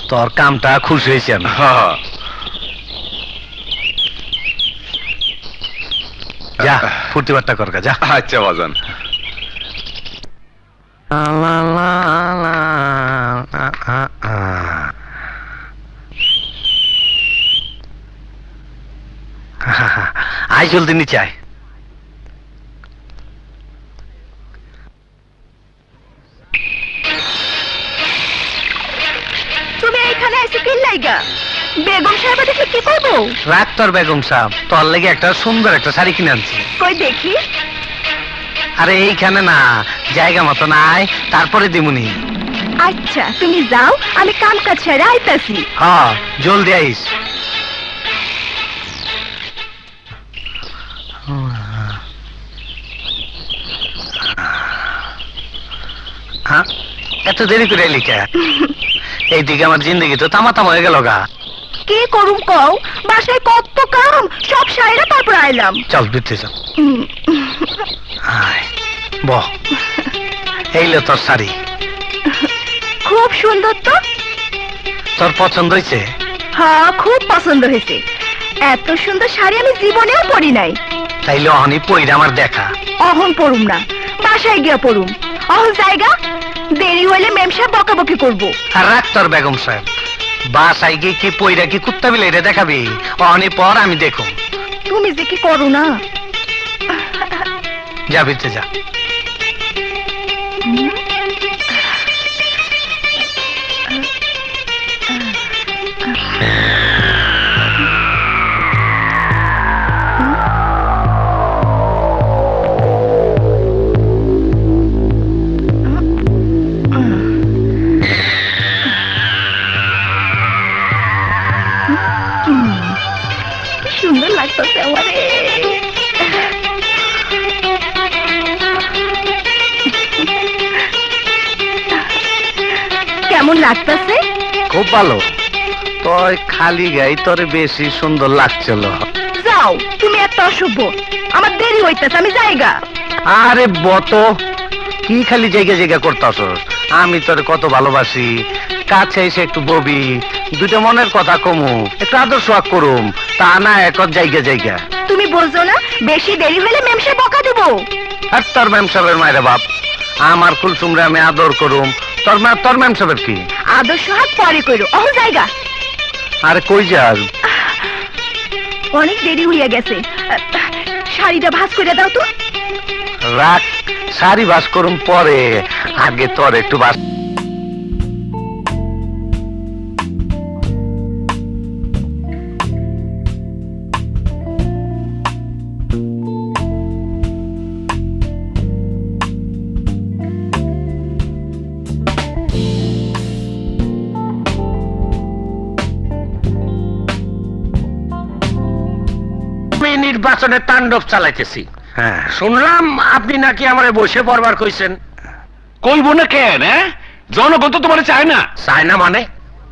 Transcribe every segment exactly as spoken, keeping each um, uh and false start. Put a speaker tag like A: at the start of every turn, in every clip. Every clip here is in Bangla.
A: তোর কামটা খুশি হয়েছি আমি। যা ফুর্তি বার্তা কর যা।
B: আচ্ছা বাজান।
A: আয় জলদি নিচে আয়।
C: তুমি এইখানে এসে কি লাইগা? বেগম সাহেব দেখে কি করবো?
A: রাখ তোর বেগম সাহেব, তোর লেগে একটা সুন্দর একটা শাড়ি কিনে আনছি।
C: কই দেখি।
A: আরে এইখানে না, জায়গা মতো নাই, তারপরে দিমুনি।
C: আচ্ছা তুমি যাও, আমি কাম কাজ ছেড়ে আইতাছি।
A: হ্যাঁ জলদি আইস। হ্যাঁ এত দেরি করে এলি কে? এইদিকে আমার জিন্দগি তো তামা তামা হয়ে গেল গা।
C: কি করুম কও, বাসায় কত কাম, সব সাইরা তারপর আইলাম।
A: চল ভিতরে চল।
C: উম,
A: আয় বহ, এইলো তোর শাড়ি।
C: খুব সুন্দর তো।
A: তোর পছন্দ হয়েছে?
C: হ্যাঁ খুব পছন্দ হয়েছে। এত সুন্দর শাড়ি আমি জীবনেও পরি নাই।
A: তাইলে অহনি পইরা আমার দেখা।
C: অহন পড়ুম না, বাসায় গিয়া পড়ুম। অহন জায়গা, দেরি হইলে মেম সাহেব বকাবকি করবো।
A: আর রাখ তোর বেগম সাহেব, বাসায় গিয়ে কি পইরা কি কুত্তা বিলে দেখাবি? অহনি পর আমি দেখুন।
C: তুমি যে কি করো না।
A: যা ভিতরে যা।
C: কি সুন্দর লাগতেছে আমারে। কেমন লাগতেছে?
A: খুব ভালো। তোর খালি গাই তোর বেশি সুন্দর লাগছিল।
C: যাও, তুমি একটা অসভ্য। আমার দেরি হইতেছে, আমি যাইগা।
A: আরে বত, কি খালি জায়গা জায়গা করতাস? আমি তোর কত ভালোবাসি, কাছে এসে একটু ববি, দুটো মনের কথা কমু, একটু আদর্শ করুম, তা না এক জায়গা জায়গা।
C: তুমি বলছো না বেশি দেরি হলে মেম সাহেব বকা দেবো?
A: আর তোর ম্যাম সাহেবের মায়ের বাপ, আমার কুলসুমরে আমি আদর করুম, তোর মা তোর ম্যাম সাহেবের কি?
C: আদর্শ হাত পরে কইরো, অহ জায়গা।
A: আরে কই যাস?
C: অনেক দেরি হইয়া গেছে, শাড়িটা ভাঁজ করে দাও তো।
A: রাখ, শাড়ি বাস করুম পরে, আগে তোর একটু বাস।
D: নির্বাচনের তাণ্ডব চালাইতেছি।
A: হ্যাঁ
D: শুনলাম আপনি নাকি আমারে বসে পড়বার কইছেন।
B: কইব না কেন? জনগণ তো তোমার চায় না।
D: চায় না মানে?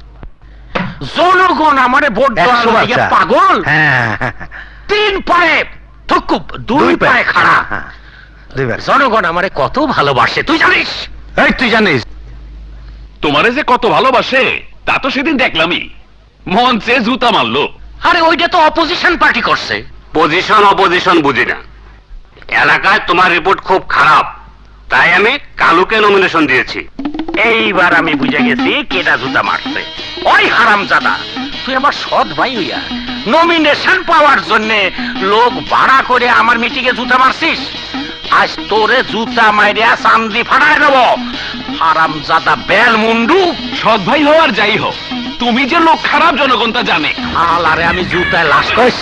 D: জনগণ আমারে ভোট দেওয়ার লাগে পাগল।
A: হ্যাঁ
D: তিন পায়ে থুকুপ, দুই পায়ে খাড়া।
A: দুইবার।
D: জনগণ আমারে কত ভালোবাসে তুই জানিস?
A: এই তুই জানিস?
B: তোমারে যে কত ভালোবাসে তা তো সেদিন দেখলামই, মঞ্চে জুতা মারলো।
D: আরে ওইটা তো অপোজিশন পার্টি করছে।
E: পজিশন অপোজিশন বুঝি না, এলাকায় তোমার রিপোর্ট খুব খারাপ, তাই আমি কালুকে নমিনেশন দিয়েছি।
D: এইবার আমি বুঝে গেছি কেটা জুতা মারছে। ওই হারামজাদা, তুই আমার সৎ ভাই হইয়া নমিনেশন পাওয়ার জন্য লোক ভাড়া করে আমার মিটিংয়ে জুতা মারছিস। আজ তোরে জুতা মাইরিয়া চান্দি ফাটায় দেব। হারামজাদা বেল মুন্ডু।
B: সৎ ভাই হও আর যাই হোক, তুমি যে লোক খারাপ জনগণ তা জানে।
D: আলারে আমি জুতায় লাশ কইস।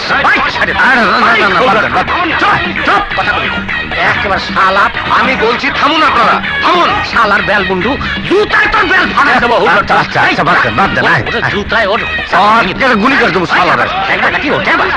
D: একেবারে শালা, আমি বলছি থামুন আপনারা, থামুন। শালার বেল মুন্ডু, জুতায় তোর বেল ফাটায় দেবো।
A: আচ্ছা আচ্ছা বাদ দে বাদ দে।
D: জুতায় ওর
A: গুলি করে দেবো শালারে।
D: নাকি ওঠে